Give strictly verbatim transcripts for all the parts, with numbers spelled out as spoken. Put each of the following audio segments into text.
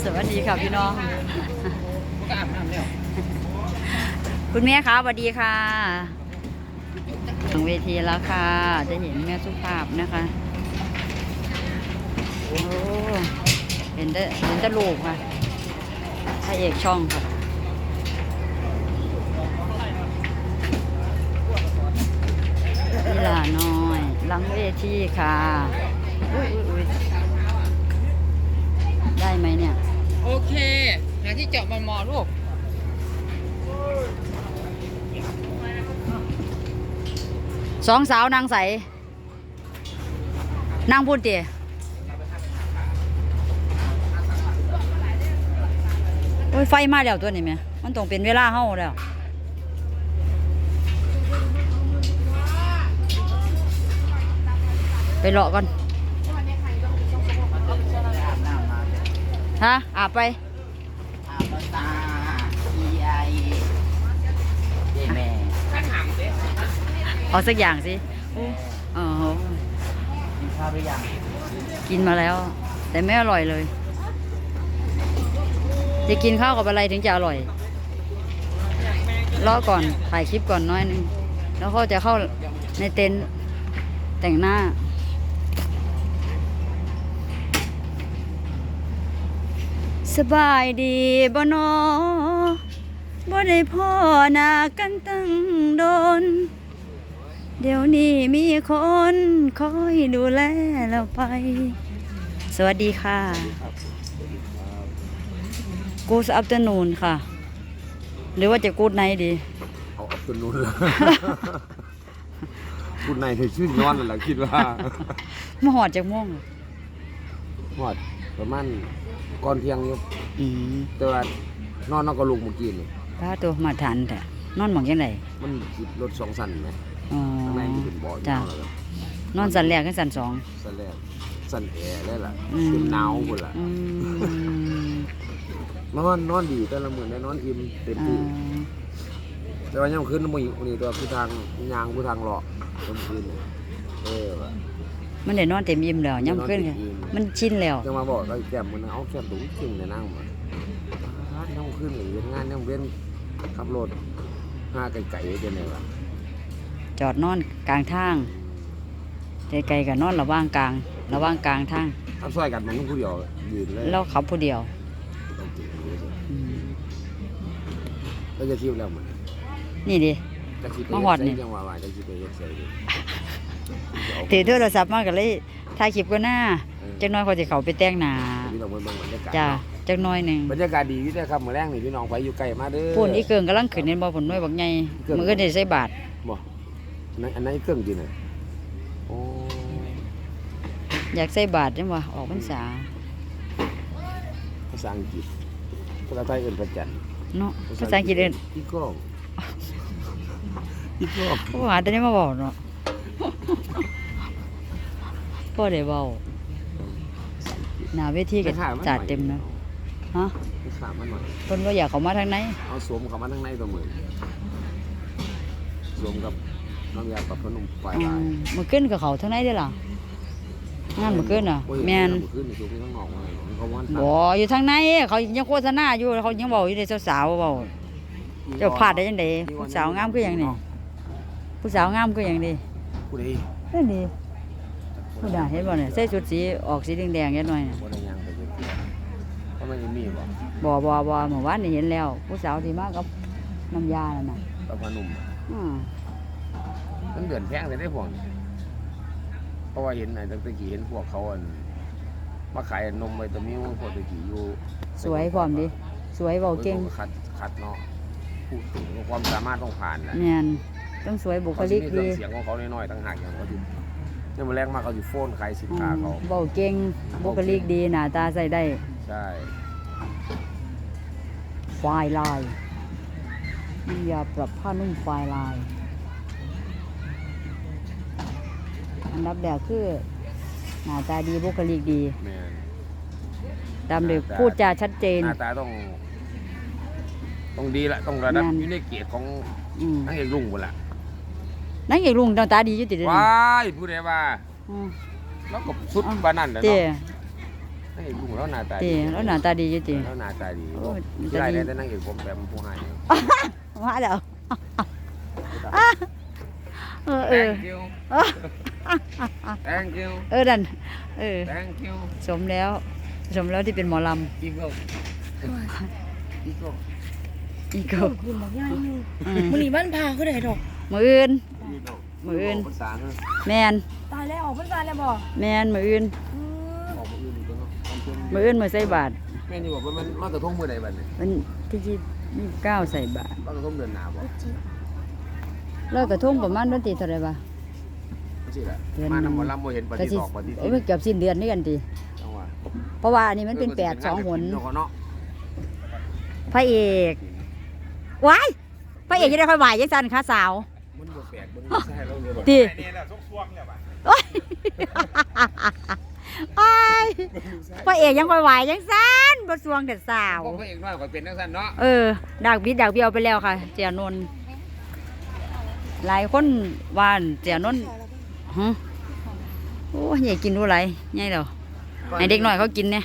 สวัสดีค่ะพี่น้องคุณแม่คะสวัสดีค่ะถึงเวทีแล้วค่ะจะเห็นแม่สุภาพนะคะโอ้เห็นได้เห็นได้ลูกค่ะพระเอกช่องค่ะนี่ล่ะน้อยหลังเวทีค่ะอุ๊ยอุ๊ยได้ไหมเนี่ยโอเคหาที่เจาะมันมอลูกสองสาวนางใสนางพูดเตี๋ยโอ้ยไฟมาแล้วตัวนี้ไหมมันต้องเป็นเวลาเฮาแล้วไปเลาะก่อนฮะอาบไปอาบตาอีไอเดแม่ข้าถามสิเอาสักอย่างสิอ๋อกินข้าวหรือยังกินมาแล้วแต่ไม่อร่อยเลยจะกินข้าวกับอะไรถึงจะอร่อยรอก่อนถ่ายคลิปก่อนน้อยนึงแล้วก็จะเข้าในเต็นท์แต่งหน้าสบายดีบ่นอบ่ได้พ่อหน้ากันตั้งโดนเดี๋ยวนี้มีคนคอยดูแลเราไปสวัสดีค่ะกูสอัปเตอร์นูนค่ะหรือว่าจะกูดไนท์ดีเอาอัปเตอร์นูนแล้วกูดไนท์คือชื่อนอนนั่นแหละคิดว่ามาหอดจากม่วงหอดประมาณก่อนเที่ยงอยู่แต่ว่านอนนอกก็ลุกเมื่อกี้นี่ป้าตัวมาทันแต่นอนหมองยังไงมันจิบรถสองสันไหมอ๋อข้างในมันเป็นบ่อจ้ะนอนสันแรกกับสันสองสันแรกสันแอร์ได้ล่ะเป็นหนาวหมดล่ะนอนนอนดีแต่ละมื้อได้นอนอิ่มเต็มที่แต่ว่ายังคืนมื้อนี้ตัวคือทางยางคือทางเลาะกลางคืนเออมันได้นอนเต็มอิ่มแล้วย่ำขึ้นค่ะมันชินแล้วจะมาบอกก็แก้มมันเอาแก้มตุ้งจริงเลยนั่งมาย่ำขึ้นหรืองานย่ำเว้นขับรถห้าไก่ๆเป็นไงวะจอดนอนกลางทางไกลๆกับนอนระว่างกลางระว่างกลางทางทำซอยกันมันต้องผู้เดียวยืนเลยเราขับผู้เดียวเราจะคิวแล้วมันนี่ดิมาหอดนี่จังหวะว่าจะคิดไปเย็ดใส่ดิถือโทรศัพท์มากกันเลยถ่ายคลิปก็หน้าจักน้อยเขาจะเขาไปแต่งหน้าจ้าจักน้อยหนึ่งบรรยากาศดีอยู่ด้วยครับเมื่อแรกนี่พี่น้องไปอยู่ไกลมาเด้อปุ่นอีเกิงกำลังขึ้นในบ่อผลน้อยบักใหญ่มันก็ได้ใส่บาทบ่อันนั้นอันนั้นอีเกิงจริงเลยโอ้อยากใส่บาทจังวะออกพรรษาภาษาอังกฤษภาษาไทยเอื่นประจันเนาะภาษาอังกฤษเอื่นอีกล้องอีกล้องผู้หาแต่นี้มาบอกเนาะพ่อเดี๋ยวเบาหน้าเวทีกันจัดเต็มเนาะฮะขามันหน่อยคนว่าอยากเขามาทางไหนเอาสวมเขามาทางไหนตัวมือสวมกับน้ำยาปรับผ้านุ่มปลายลายมันขึ้นกับเขาทางไหนได้หรอนั่นมันขึ้นอ่ะแมนบ่อยู่ทางไหนเขายังโฆษณาอยู่เขายังบอกอยู่ในสาวๆบอกเจ้าพลาดได้ยังไงผู้สาวงามก็อย่างนี้ผู้สาวงามก็อย่างนี้ผู้ใดนั่นดีผู้ใดเห็นบ่เนี่ยใส่ชุดสีออกสีแดงๆนิดหน่อยเนี่ยก็ไม่มีบ่บ่บ่บ่เมื่อวานนี่เห็นแล้วผู้สาวที่มากับน้ำยาแล้วน่ะกับผ้านุ่มอืมมันเดือนแพงเลยได้พวกเพราะว่าเห็นไอ้ตะกี้เห็นพวกเขาอันมาขายนมไวตามิวพวกตะกี้อยู่สวยพร้อมดิสวยเบาเก่งคัดคัดเนาะพูดถึงความสามารถต้องผ่านนะเนี่ยต้องสวยบุคลิกดีเสียงของเขาน้อยๆต่างหากอย่างเขาดิเนี่ยมันแรงมากเขาอยู่โฟนขายสินค้าเขาเบาเก่งบุคลิกดีหน้าตาใส่ได้ใช่ไฟลายนี่ยาปรับผ้านุ่มไฟลายอันดับแรกคือหน้าตาดีบุคลิกดีตามเด็กพูดจาชัดเจนหน้าตาต้องต้องดีละต้องระดับอยู่ในเกียรติของนางเอกลุงหมดละนางเอกลุงตาดีอยู่ติดเลยว้ายพูดได้ว่าแล้วก็สุดบ้านนั่นแหละเนาะนางเอกลุงแล้วหน้าตาติดีแล้วหน้าตาดีอยู่ติแล้วหน้าตาดีโอ้ยที่ไรเนี่ยแต่นางเอกผมแบบผู้ให้ว่าแล้วเออเออ thank you thank you เออดันเออ thank you สมแล้วสมแล้วที่เป็นหมอลอีโก้อีโก้ำอีกก็กินบอกย่าอยู่อืมมื้อนี้บ้านพาคือได้ดอกมืออื่นมืออื่นภาษาเนอะแมนตายแล้วออกพรรษาแล้วบ่แมนมืออื่นอืมออกมืออื่นอีกแล้วเนาะตอนเช้ามืออื่นมือใส่บาทแม่นี่บอกว่ามันลอยกระทงมือใดบัดเนี่ยมันที่ที่ยี่สิบเก้าใส่บาทลอยกระทงเดือนหน้าบ่เลิกกระทุ่งประมาณวันที่เท่าไหรบ่สิล่ะเดือนมานำหมอลำบ่เห็นปก็ฏิสิดอกปฏิโอ้ทิยนเกือบสิ้นเดือนนี่กันทีจังหวะเพราะว่าอันนี้มันเป็นแปดสองหนเนาะเนาะพระเอกว้ายพระเอกจะได้ค่อยไหวยังสันค่ะสาวมันบ่แปลกเบิ่งใช่เราเลยบ่ตีนี่แหละซกซวงเนี่ยป่ะโอ้ยโอ้ยพระเอกยังค่อยไหวยังสันบทสวงเด็ดสาวพวกพระเอกน้อยก็เป็นจังซั่นเนาะเออดากบิดดากเบี้ยวไปแล้วค่ะเจียนนท์หลายคนวาอั่นเจียนนท์ฮะโอ้ยใหญ่กินรู้ไรใหญ่แล้วให้เด็กหน่อยเขากินเนี่ย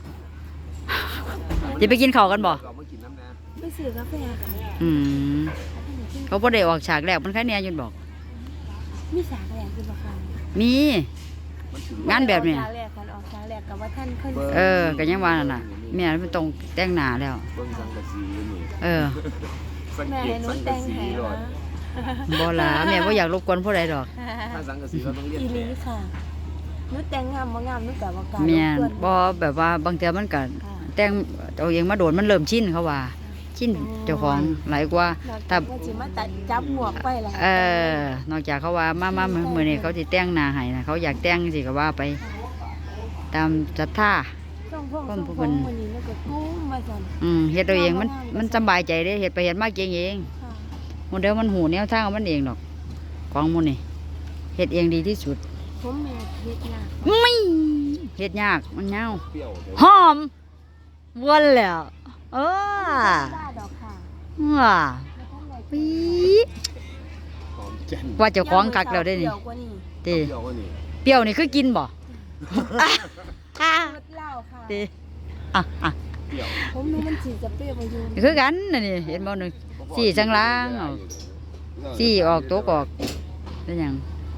จะไปกินข้าวกันบ่ก็มากินน้ำนะไปซื้อกาแฟค่ะอืมเขาบ่ได้ออกฉากแรกมันแค่เนี้ยยุนบอกมีสากแหลกคือบ่ค่ะมีมันถึงงานแบบเนี้ยออกฉากแรกกันออกฉากแรกกับว่าท่านค่อยเออก็ยังว่านั่นน่ะแม่มันต้องแต่งหน้าแล้วเบิ่งสังกะสีนี่เออสังแม่เกตให้หนูสังแต่กะงสีให้ก่อนนะบ่ล่ะแม่บ่อยากรบกวนผู้ใดดอกถ้าสังกะสีเราต้องเรียนอีแบลีบค่ะหนูแต่งงามบ่งามหนูก็บ่กล้าแม่นรบกวนบ่แบบว่าบางเทื่อมันก็ค่ะแต่งเอาเองมาโดนมันเริ่มชินเขาว่าชินเจ้าของหลายกว่านอกถ้าจากว่าสิมาตัดจับหมวกไปล่ะเออนอกจากเขาว่ามามามื้อมื้อนี้เขาสิแต่งหน้าให้นะเขาอยากแต่งสิก็ว่าไป ตามศรัทธาต้องพวกต้ต้นองผู้พเพิ่วกนมื้อนี้หนูก็กู้มาซั่นอืมเฮ็ดเอาเองมันมันสำบายใจเด้เฮ็ดไปเฮ็ดมาเก่งเองค่ะหมดเดียวมันหูแนวทางของมันเองดอกของหมูนี่เฮ็ดเองดีที่สุดผมแม่เฮ็ดยากไม่เฮ็ดยากมันยาวเปรี้ยวเดี๋ยวหอมวนแล้วเออได้ดอกค่ะว้าแล้วท่านได้ปี๊หอมแจ่นว่าเจ้าของกักแล้วได้นี่เดี๋ยวกว่านี้ติเปรี้ยวกว่านี่เปรี้ยวนี่คือกินบ่ อ่ะรสเหล้าค่ะติอ่ะอ่ะเปรี้ยวผมรู้มันสิจะเปรี้ยวมาอยู่นี่คือกันน่ะนี่เห็นบ่นึงสี่สังล้างเอาสี่ออกตัวออกได้หยัง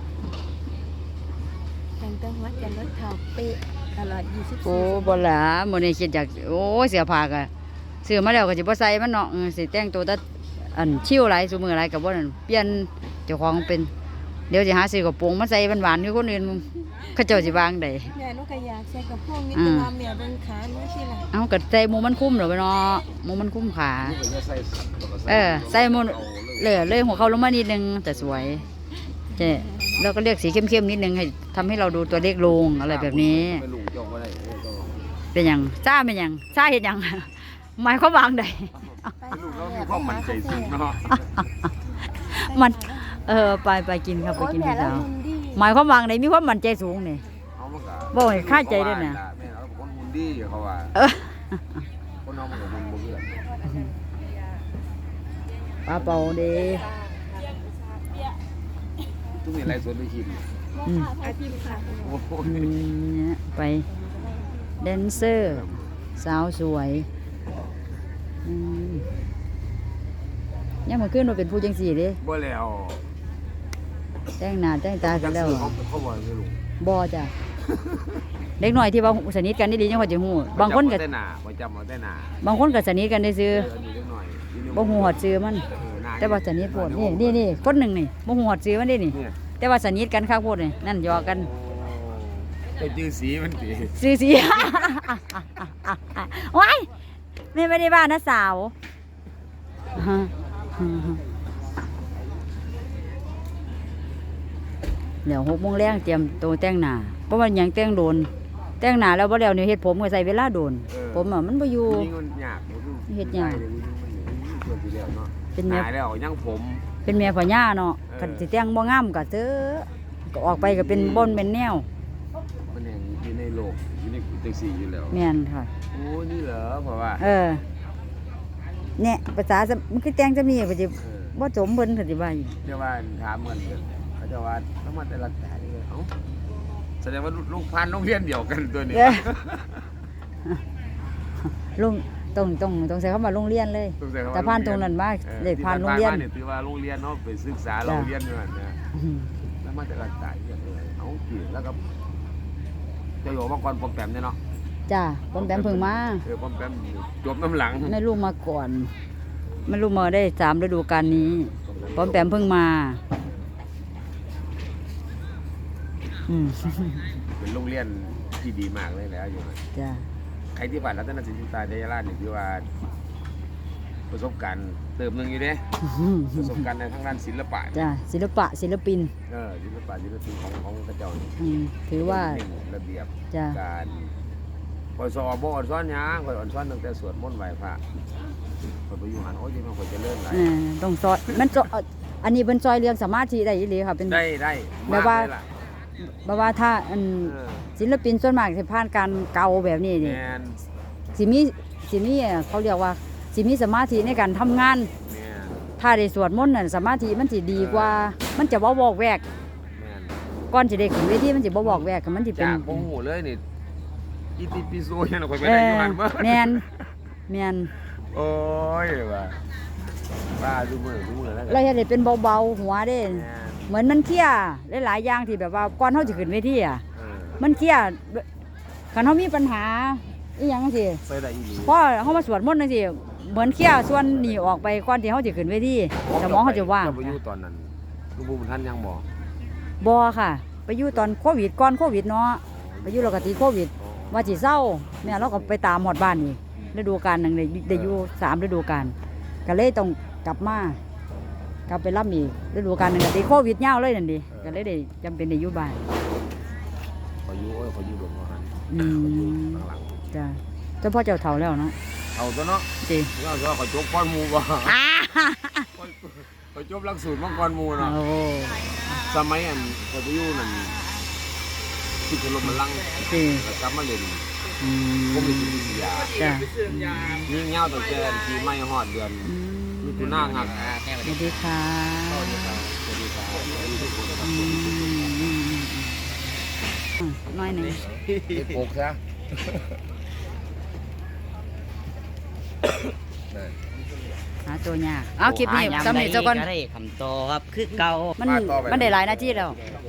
แต่งตั้งวัดกันรถเท่าเป๊ะตลอดยี่สิบโอ้สี่บ่ล่ะมื้อนี้คิดอยากโอ้ยเสื้อผ้าก็ซื้อมาแล้วก็สิบ่ใส่มันเนาะเออสิแต่งตัวแต่อันชิวหลายซุมื้อหลายก็บ่นั่นเปลี่ยนเจ้าของเป็นเดี๋ยวสิหาซื้อกระโปรงมาใส่หวานๆคือคนอื่นเขาเจ้าสิวางได้แม่หนูก็อยากใส่กระโปรงนิดอืนึงมว่าแม่เบิ่งขาหนูสิล่ะเอ้าก็ใส่หมูมันคุ้มเหรอไปเนาะหมูมันคุ้มขานี่ก็จะใส่แล้วก็เออใส่หมูเอาเลยเลยเลยหัวเขาลงมานิดนึงแต่สวยเจ๊แล้วก็เลือกสีเข้มๆนิดนึงให้ทำให้เราดูตัวเล็กลงอะไรแบบนี้ไม่ลุงจองบ่ได้เออก็เป็นหยังซ่าเป็นหยังซ่าเห็นยัง หมายความวางใดไปลูกหาเราแม่มีความมั่นใจสูงเนาะมัน เออไปไปกินครับไปโอ้ยกินแม่ข้าวแล้วเช้าหุ่นดีหมายความวางใดมีความมั่นใจสูงนี่เอามันก็บ่ให้คาดใจด้วยนะแม่เราเป็นคนหุ่นดีเขาว่าเออคนน้องมันก็หุ่นบ่เพื่อนปลาเป่าเด้ทุกนี่ไลฟ์สดไปคิดอืมอาชีพค่ะโอ้โหอืมเนี่ยไปแดนเซอร์สาวสวยอืมยังมาขึ้นมาเป็นผู้จังสี่เด้บ่แล้วแต่งหน้าแต่งตากันแล้วเขาเขาบอกไม่รู้บ่จ้ะ เด็กน้อยที่ว่าสนิทกันได้ดีจังว่าจะฮู้บางคนก็จำเอแต่หน้าบ่จำเอาแต่หน้าบางคนก็สนิทกันได้ซื้อเอออันนี้เล็กหน่อยอีนี่บ่ฮู้ฮอดซื้อมันเออหน้แต่ว่าสนิทโพดนี่นี่นี่คนหนึงนี่บ่ฮู้ฮอดซื้อมันเด้นี่เนี่ยแต่ว่าสนิทกันคักโพดนี่นั่นหยอกกันไปจื้อสีมันติซื้อสิ ว้ายแม่ไม่ได้บ้านะสาว เดี๋ยวหกโมงแรงเตรียมตัวแต่งหน้าเพราะว่าหยังแต่งโดน แต่งหน้าแล้วบ่แล้วเนี่ยเฮ็ดผมก็ใส่เวลาโดน ผมอ่ะมันบ่อยู่ยิ่งมันยากบ่คือเฮ็ดยากมันเกิดสิแล้วเนาะเป็นหแม่ายแล้วยังผมเป็นแม่พ่อย่าเนาะเออคันสิแต่งบ่งามก็เถอะก็ออกไปก็เป็นบ่นเป็นแนวมันแห่งอยู่ในโลกอยู่ในจังซี่อยู่แล้วแม่นค่ะโอ้นี่เหรอเพราะว่าเออเนี่ยภาษาสมันคือแต่งจะมีก็สิเออบ่สมเพิ่นก็สิว่าอยู่เจ้าว่าถามเหมือนกันเขาเจะว่าต้องมาแต่ละแต่นี่เลยเอ้าแสดงว่าลูกพันโรงเรียนเดียวกันตัวนี้เออลุงตรงตรงตรงใส่เข้ามาโรงเรียนเลยต้องใส่คำว่แต่ผ่านตรงนั้นมาออเลยผ่านโรงเรียนที่ผ่ามาถือว่าโรงเรียนเนาะไปศึกษาโรงเรียนนั่นนะอืมแล้วมาจากการจ่ายเงินเลยเอากี่แล้วก็เจะอยู่มาก่อนปอมแปมเนี่ยเนาะจ้าปอมแปมเพิ่งมาเออปอมแปมจบน้ำหลังไม่รู้มาก่อนไม่รู้มาได้สามฤดูกาลนี้ปอมแปมเพิ่งมาอืมเป็นโรงเรียนที่ดีมากเลยแหล้วอยู่นะจ้าใครที่ผ่านรัตนศิลป์ตาเดยราชนี่คือว่าประสบการณ์เติมหนึ่งอยู่เด้ประสบการณ์ในทางด้านศิลปะจ้าศิลปะศิลปินเออศิลปะศิลปินของของกระเจ้านี่อืมถือว่าเน้นระเบียบจ้าการคอยสอบบ่อ่อนซ้อนหยังคอยอ่อนซ้อนตั้งแต่สวดมนต์ไหว้พระคอยไปอยู่หันโอ้ยที่มันคอยเจะเลื่อนไหลเออต้องซอยมันซอยอันนี้เป็นซอยเรียงสมาธิได้อีหลีค่ะเป็นได้ได้แบบว่ามกเลยล่ะแบบว่าถ้าอันเออศิลปินส่วนมากสิผ่านการเกาแบบนี้นี่แมนสิมีสิมีเขาเรียกว่าสิมีสมาธิในการทำงานแมนถ้าได้สวดมนต์น่ะสมาธิมันสิดีกว่า มันจะบ่วอกแวกแมนก่อนสิได้ขึ้นเวทีมันสิบ่วอกแวกมันสิเป็นจากโมโหเลยนี่อีติปิโซยังคอยไปเอได้ออยู่หันเมื่อแม่นแม่นโอ้ยว่าบ้าดูมือดูมือแล้วกัเราเฮ็ดให้เป็นเบาๆหัวเด้แมนเหมือนมันเครียดหลายๆอย่างที่แบบว่าก่อนเฮาสิขึ้นเวทีอ่ะเออมันเครียดคันเฮามีปัญหาอีหยังจังซี่ไปได้อีหลีพอเฮามาสวดมนต์จังซี่เหมือนเครียดส่วนนี้ออกไปก่อนที่เฮาสิขึ้นเวทีสมองเขาจะว่างเจ้ไปอยู่ตอนนั้นลุงบุญท่านยังบอกบ่ค่ะ ไปอยู่ตอนโควิดก่อนโควิดเนาะไปอยู่แล้วก็ติดโควิด ว่าสิเศร้าแม่เราก็ไปตามฮอดบ้านอีกฤดูกาลหนึงได้ได้อยู่สามฤดูกาลก็เลยต้องกลับมากลับไปรับอีกฤดูกาลหนึงก็ติดโควิดยาวเลยนั่นดิก็เลยได้จำเป็นได้อยู่บ้านขออยู่โอ้ยขออยู่ดวงหันอืมข้างหลังจ้ะเจ้าพ่อเจ้าเฒ่าแล้วเนาะเอาตัวเนาะสิเราจะขอจบก้อนหมูบ่อ้าขอจบหลักสูตรมังกรหมูเนาะโอ้สมัยอันขอไปอยู่นั่นที่ถล่มมันลังสิแล้วกลับมาเล่นอืผมมมีจิตวิทยาจ้ะยิ่งเงาตั้งแต่ปีใหม่ฮอดเดือนอืมมิถุนายนงักสวัสดีค่ะสวัสดีครับสวัสดีครับสวัสดีทุกคนครัอืบมอืมอืมอืมอืมน้อยหนึ่งเด็กโกกซะหาตัวยากเอาคลิปนี้สำเร็จเจ้าก่อนก็ได้คำโตครับคือเก่ามันมันได้หลายหน้าที่แล้ว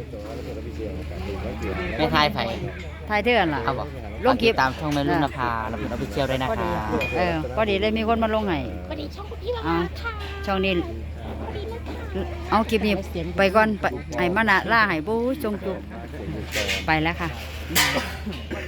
ไม่ทายไผ่ทายเทื่อนล่ะครับบอกลงคลิปตามช่องแม่รุ่นนภาเราเป็นออฟฟิเชียลด้วยนะพอคดีรับเออพอดีเลยมีคนมาลงให้วันนี้ช่องคุณพี่มาเอาค่ะช่องนี้เอาคลิปนี้ไปก่อนไปไอ้มานะล่าให้บู้จงจุบไปแล้วค่ะ